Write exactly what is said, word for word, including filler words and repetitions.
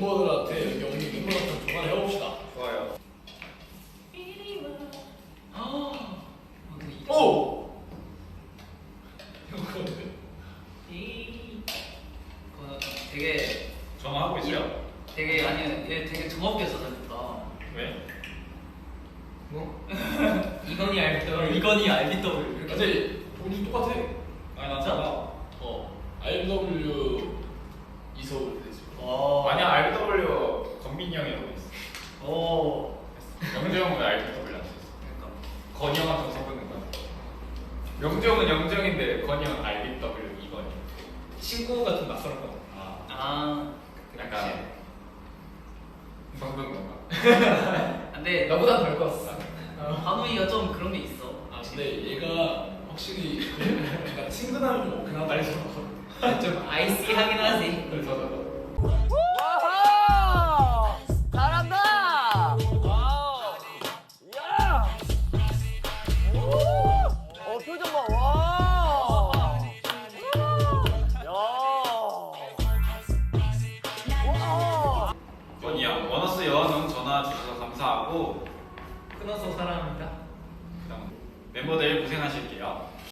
멤버들한테 여기 없는 멤버들한테 전화를 해봅시다. 좋아요. 오! 그거 되게 전화하고 있어요? 되게 아니 얘 되게 정없게 써졌다. 왜? 뭐? 이건희 알비더블 이건희 알비더블 이렇게. 근데 본질 똑같아. 아니 난 진짜? 전화. 어. 알비더블유 이서울 되지. 어. 아니야 알비더블유 건민이 형이라고 했어. 오. 영재 형은 알비더블유 안 했어. 그러니까. 건이 형한테 섞는 거야. 영재 형은 영정인데 건이 형은 알비더블유 이건이. 친구가 좀 낯설은 거 같아. 아. 아. 약간 성분 건가? 근데 나보다 덜 컸어. 한우이가 좀 그런 게 있어. 아 근데 얘가 확실히 약간 친근함이 좀 없긴 하다. 좀 아이스하긴 하지. 그래서 와우! 잘한다! 와우! 야! 오! 어, 표정 봐, 와! 야! 와! 건이 형 원어스 여왕은 전화 주셔서 감사하고 끊어서 사랑합니다. 그다음 멤버들 고생하실게요.